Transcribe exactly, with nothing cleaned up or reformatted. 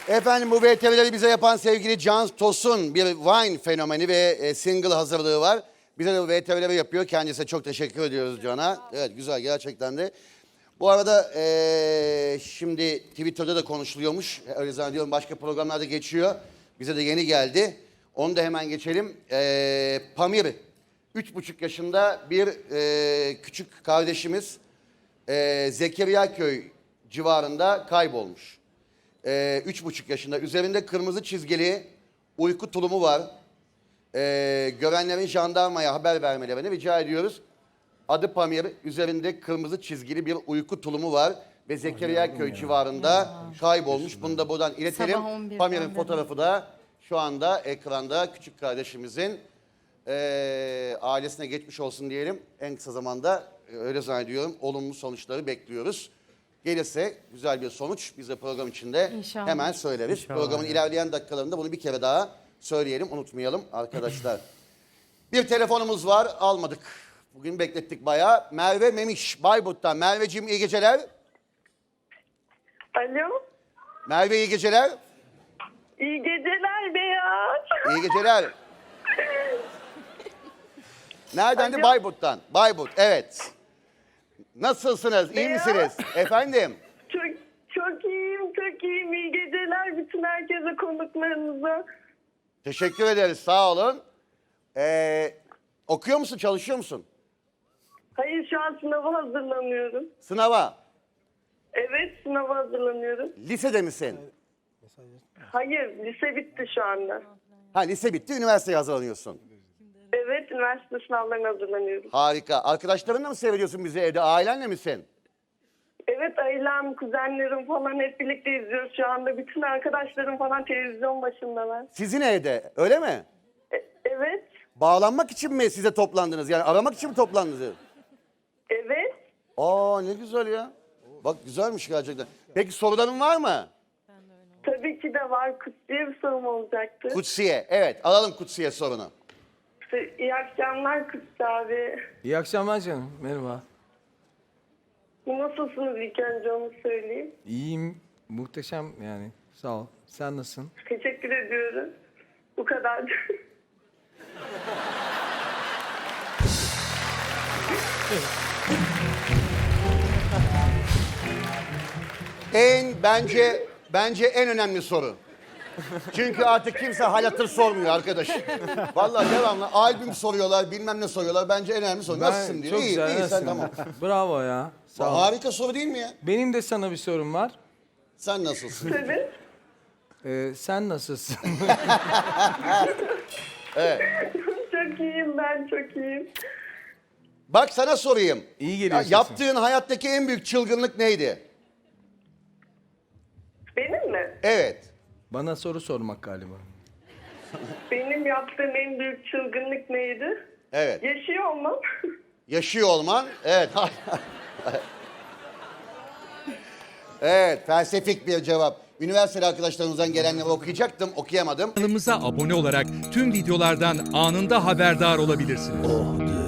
Efendim bu V T V'leri bize yapan sevgili Can Tosun bir Vine fenomeni ve e, single hazırlığı var. Bize de bu V T V'leri yapıyor. Kendisine çok teşekkür ediyoruz Can'a. Evet güzel gerçekten de. Bu arada e, şimdi Twitter'da da konuşuluyormuş. Öyle zannediyorum başka programlarda geçiyor. Bize de yeni geldi. Onu da hemen geçelim. E, Pamir, üç buçuk yaşında bir e, küçük kardeşimiz e, Zekeriyaköy civarında kaybolmuş. Ee, üç buçuk yaşında. Üzerinde kırmızı çizgili uyku tulumu var. Ee, görenlerin jandarmaya haber vermelerini rica ediyoruz. Adı Pamir. Üzerinde kırmızı çizgili bir uyku tulumu var. Ve Zekeriyaköy civarında kaybolmuş. Bunu da buradan iletelim. Pamir'in fotoğrafı da şu anda ekranda. Küçük kardeşimizin ee, ailesine geçmiş olsun diyelim. En kısa zamanda öyle zannediyorum. Olumlu sonuçları bekliyoruz. Gelirse güzel bir sonuç biz de program içinde İnşallah. hemen söyleriz. İnşallah. Programın ilerleyen dakikalarında bunu bir kere daha söyleyelim, unutmayalım arkadaşlar. Bir telefonumuz var, almadık. Bugün beklettik bayağı. Merve Memiş, Bayburt'tan. Merveciğim iyi geceler. Alo. Merve iyi geceler. İyi geceler Beyaz. İyi geceler. Nereden de Alo. Bayburt'tan. Bayburt, evet. Nasılsınız, iyi Beyaz. misiniz? Efendim? Çok çok iyiyim, çok iyiyim. İyi geceler bütün herkese, konuklarınıza. Teşekkür ederiz, sağ olun. Ee, okuyor musun, çalışıyor musun? Hayır, şu an sınava hazırlanıyorum. Sınava. Evet, sınava hazırlanıyorum. Lisede misin? Hayır, lise bitti şu anda. Ha lise bitti, üniversiteye hazırlanıyorsun. Evet, üniversite sınavlarına hazırlanıyorum. Harika. Arkadaşlarınla mı seyrediyorsun bizi evde? Ailenle misin? Evet, ailem, kuzenlerim falan hep birlikte izliyoruz şu anda. Bütün arkadaşlarım falan televizyon başındalar. Sizin evde, öyle mi? E- evet, Bağlanmak için mi size toplandınız? Yani aramak için mi toplandınız? evet. Aa ne güzel ya. Bak güzelmiş gerçekten. Peki soruların var mı? Tabii ki de var. Kutsiye bir sorum olacaktı. Kutsiye. Evet alalım Kutsiye sorunu. İyi akşamlar Kutsi abi. İyi akşamlar canım. Merhaba. Nasılsınız ilk önce onu söyleyeyim. İyiyim. Muhteşem yani. Sağ ol. Sen nasılsın? Teşekkür ediyorum. Bu kadar. En bence bence en önemli soru. Çünkü artık kimse hal hatır sormuyor arkadaş. Vallahi devamlı albüm soruyorlar, bilmem ne soruyorlar. Bence en önemli soru. Nasılsın diyor. Çok İyi, güzel. iyi sen nasılsın? tamam. Bravo ya. Sağ ol. Harika soru değil mi ya? Benim de sana bir sorum var. Sen nasılsın? Tabii. Ee, sen nasılsın? Çok iyiyim, ben çok iyiyim. Bak sana sorayım. İyi Ya, geliyor sesin. yaptığın hayattaki en büyük çılgınlık neydi? Benim mi? Evet. Bana soru sormak galiba. Benim yaptığım en büyük çılgınlık neydi? Evet. Yaşıyor olmam. Yaşıyor olman. Evet. Evet, felsefik bir cevap. Üniversiteli arkadaşlarımızdan gelenleri okuyacaktım, okuyamadım. Kanalımıza abone olarak tüm videolardan anında haberdar olabilirsiniz.